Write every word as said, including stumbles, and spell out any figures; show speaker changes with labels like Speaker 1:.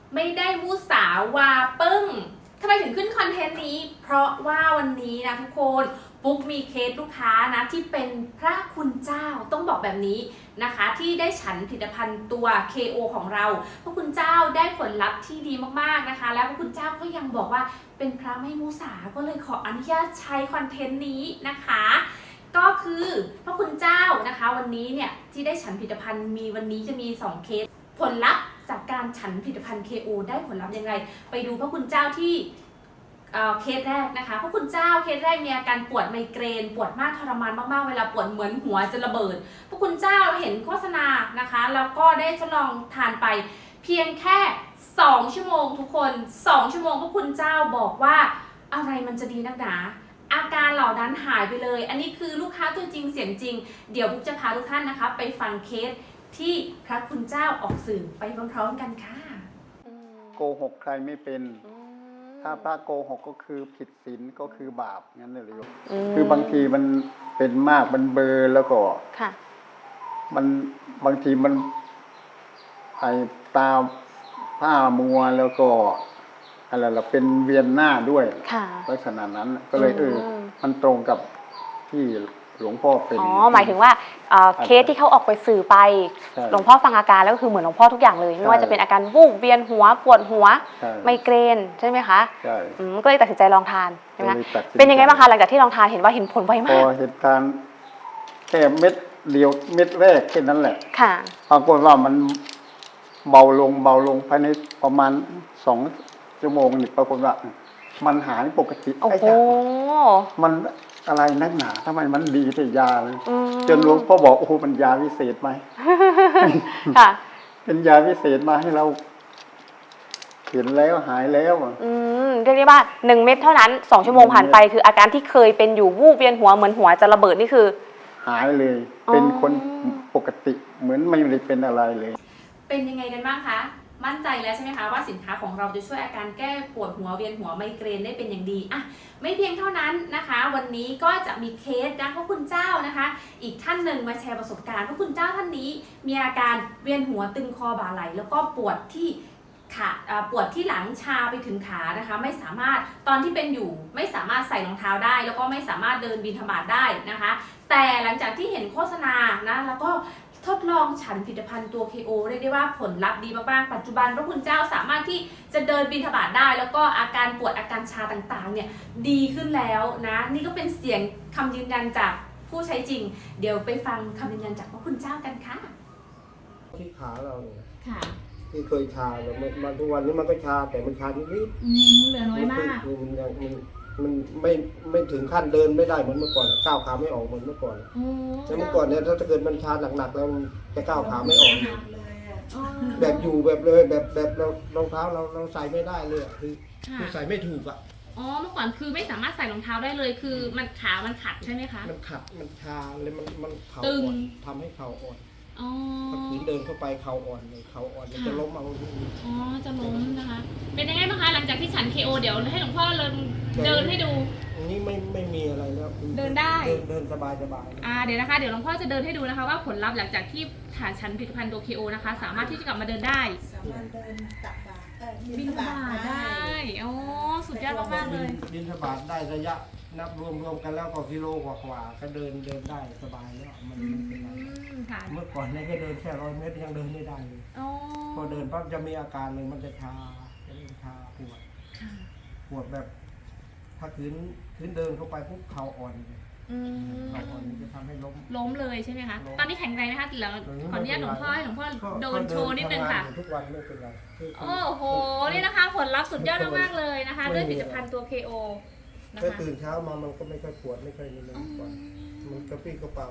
Speaker 1: ไม่ได้มุสาวาปึ้งทำไมถึงขึ้นคอนเทนต์นี้เพราะว่าวันนี้นะทุกคนปุ๊กมีเคสลูกค้านะที่เป็นพระคุณเจ้าต้องบอกแบบนี้นะคะที่ได้ฉันผลิตภัณฑ์ตัว เค โอ ของเราพระคุณเจ้าได้ผลลัพธ์ที่ดีมากๆนะคะแล้วพระคุณเจ้าก็ยังบอกว่าเป็นพระไม่มุสาก็เลยขออนุญาตใช้คอนเทนต์นี้นะคะก็คือพระคุณเจ้านะคะวันนี้เนี่ยที่ได้ฉันผลิตภัณฑ์มีวันนี้จะมีสองเคสผลลัพธ์จากการฉันผลิตภัณฑ์ เค โอ ได้ผลลัพธ์ยังไงไปดูพระคุณเจ้าที่เคสแรกนะคะพระคุณเจ้าเคสแรกมีอาการปวดไมเกรนปวดมากทรมานมากๆเวลาปวดเหมือนหัวจะระเบิดพระคุณเจ้าเห็นโฆษณานะคะแล้วก็ได้ทดลองทานไปเพียงแค่สองชั่วโมงทุกคนสองชั่วโมงพระคุณเจ้าบอกว่าอะไรมันจะดีนักหนาอาการเหล่านั้นหายไปเลยอันนี้คือลูกค้าตัวจริงเสียงจริงเดี๋ยวบุ๊กจะพาทุกท่านนะคะไปฟังเคสที่พระคุณเจ้าออกสื่อไปพร้อมๆกันค่ะ
Speaker 2: โกหกใครไม่เป็นถ้าพระโกหกก็คือผิดศีลก็คือบาปงั้นเลยโยมคือบางทีมันเป็นมากมันเบลอแล้วก็มันบางทีมันไอตาผ้ามัวแล้วก็อะไรล่ะเป็นเวียนหน้าด้วยลักษณะนั้นก็เลยเออมันตรงกับที่หลวงพ่อเป็น
Speaker 3: อ๋อหมายถึงว่าเคสที่เขาออกไปสื่อไปหลวงพ่อฟังอาการแล้วก็คือเหมือนหลวงพ่อทุกอย่างเลยไม่ว่าจะเป็นอาการวูบเวียนหัวปวดหัวไมเกรนใช่ไหมคะ
Speaker 2: ใช่
Speaker 3: ก็เลยตัดสินใจลองทานใช่ไหมเป็นยังไงบ้างคะหลังจากที่ลองทานเห็นว่าเห็นผลไวมาก
Speaker 2: พอเห็นทานแค่เม็ดเดียวเม็ดแรกแค่นั้นแหละ
Speaker 3: ค่ะ
Speaker 2: ปรากฏว่ามันเบาลงเบาลงภายในประมาณสองชั่วโมงนี่ปรากฏว่ามันหายปกติ
Speaker 3: โอ้โห
Speaker 2: มันอะไรนักหนาทำไมมันดีแต่ยาเลยจนหลวงพ่อบอกโอ้โหมันยาวิเศษไหม
Speaker 3: ค่ะ
Speaker 2: เป็นยาวิเศษมาให้เราเห็นแล้วหายแล้ว
Speaker 3: อืมเรียกได้ว่าหนึ่งเม็ดเท่านั้นสองชั่วโมงผ่านไปคืออาการที่เคยเป็นอยู่วูบเวียนหัวเหมือนหัวจะระเบิดนี่คือ
Speaker 2: หายเลยเป็นคนปกติเหมือนไม่ได้เป็นอะไรเลย
Speaker 1: เป็นยังไงกันบ้างคะมั่นใจแล้วใช่ไหมคะว่าสินค้าของเราจะช่วยอาการแก้ปวดหัวเวียนหัวไมเกรนได้เป็นอย่างดีอ่ะไม่เพียงเท่านั้นนะคะวันนี้ก็จะมีเคสนะพระคุณเจ้านะคะอีกท่านหนึ่งมาแชร์ประสบการณ์พระคุณเจ้าท่านนี้มีอาการเวียนหัวตึงคอบ่าไหล่แล้วก็ปวดที่ขาปวดที่หลังชาไปถึงขานะคะไม่สามารถตอนที่เป็นอยู่ไม่สามารถใส่รองเท้าได้แล้วก็ไม่สามารถเดินบิณฑบาตได้นะคะแต่หลังจากที่เห็นโฆษณานะแล้วก็ทดลองฉันผลิตภัณฑ์ตัว เค โอ เรียกได้ว่าผลลัพธ์ดีมากๆปัจจุบันพระคุณเจ้าสามารถที่จะเดินบิณฑบาตได้แล้วก็อาการปวดอาการชาต่างๆเนี่ยดีขึ้นแล้วนะนี่ก็เป็นเสียงคำยืนยันจากผู้ใช้จริงเดี๋ยวไปฟังคำยืนยันจากพระคุณเจ้ากันค่ะ
Speaker 4: ที่ขาเราเนี่ย
Speaker 1: ค่ะ
Speaker 4: ที่เคยชาแต่มันทุกวันนี้มันก็ชาแต่มันชานิดนิด
Speaker 1: เหลือน้อยมาก
Speaker 4: มันยังมันมันไม่ไม่ถึงขั้นเดินไม่ได้เหมือนเมื่อก่อนก้าวขาไม่ออกเหมือนเมื่อก่อนแต่เมื่อก่อนเนี่ยถ้าเกิดมันชาหนักๆแล้วจะก้าวขาไม่ออกแบบอยู่แบบเลยแบบแบบเรารองเท้าเราเราใส่ไม่ได้เลยคือคือใส่ไม่ถูกอ่ะ
Speaker 1: อ๋อเมื่อก่อนคือไม่สามารถใส่รองเท้าได้เลยคือมันขามันขัดใช่ไหมคะ
Speaker 4: มันขัดมันชาเลยมันมันเข่าอ่อนทำให้เข่าอ่อนถ้าขืนเดินเข้าไปเข่าอ่อนเลยเข่าอ่อนจะล้มเอา
Speaker 1: อ๋อจะล้มนะคะเป็นยังไงบ้างคะหลังจากที่ฉัน เค โอ เดี๋ยวให้หลวงพ่อเดินเดินให้ดู
Speaker 4: อันนี้ไม่ไม่มีอะไรแล้ว
Speaker 1: เดินได้
Speaker 4: เดินสบายสบาย
Speaker 1: อ่าเดี๋ยวนะคะเดี๋ยวหลวงพ่อจะเดินให้ดูนะคะว่าผลลัพธ์หลังจากที่ฐานฉันผลิตภัณฑ์ตัว เค โอ นะคะสามารถที่จะกลับมาเดินได้
Speaker 5: สามารถเดินตักบาตร
Speaker 1: บินบาตได้โอ้สุดยอดมากๆเลย
Speaker 4: บินบาตได้ระยะนับรวมรวมกันแล้วก็กิโลกว่าๆก็เดินเดินได้สบายแล้วมันไม่เป็นไรเมื่อก่อนเนี่ยก็เดินแค่ร้อยเมตรยังเดินไม่ได้เลยพอเดินปั๊บจะมีอาการเลยมันจะชาจะเริ่มชาปวดปวดแบบถ้าขืนขืนเดินเข้าไปปุ๊บเข่าอ่อนเลยเข่าอ่อนจะทำให้ล้ม
Speaker 1: ล้มเลยใช่ไหมคะตอนนี้แข็งแรงไหมคะแล้วขออนุญาตหลวงพ่อให้หลวงพ่อเดินโชว์นิดนึงค่ะ
Speaker 4: ทุกวันไม่เป็นไร
Speaker 1: โอ้โหนี่นะคะผลลัพธ์สุดยอดมากๆเลยนะคะด้วยผลิตภัณฑ์ตัว เค โอ
Speaker 4: ถ้าตื่นเช้ามามันก็ไม่ค่อยปวดไม่ค่อยมีอะไรก่อนมันกระปี้กระเป๋า